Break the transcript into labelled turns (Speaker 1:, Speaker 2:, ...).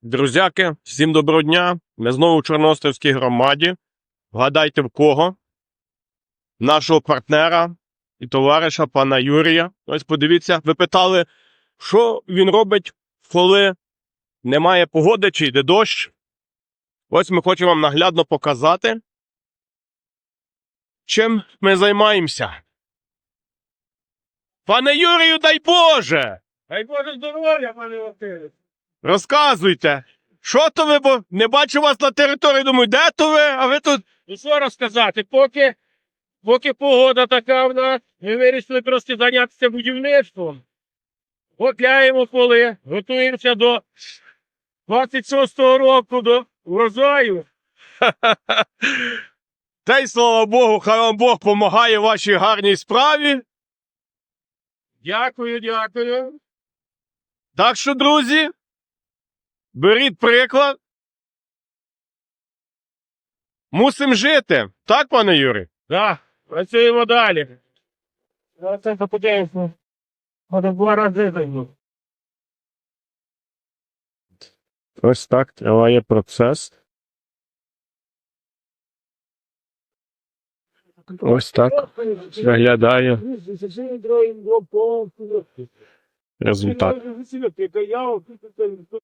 Speaker 1: Друзяки, всім доброго дня. Ми знову в Чорноостровській громаді. Вгадайте в кого? Нашого партнера і товариша пана Юрія. Ось подивіться, ви питали, що він робить, коли немає погоди чи йде дощ. Ось ми хочемо вам наглядно показати, чим ми займаємося. Пане Юрію, дай Боже!
Speaker 2: Дай Боже здоров'я, пане Василю.
Speaker 1: Розказуйте, що то ви, бо не бачу вас на території, думаю, де то ви, а ви тут...
Speaker 2: Ну що розказати, поки погода така в нас, ми вирішили просто зайнятися будівництвом. Готляємо поли, готуємося до 26-го року, до урожаю.
Speaker 1: Та й слава Богу, хай вам Бог помагає в вашій гарній справі.
Speaker 2: Дякую, дякую.
Speaker 1: Так що, друзі, беріть приклад. Мусимо жити. Так, пане Юрій?
Speaker 2: Так, працюємо далі. Це подивимося. Може 2 рази зайду.
Speaker 1: Ось так триває процес. Ось так виглядає результат.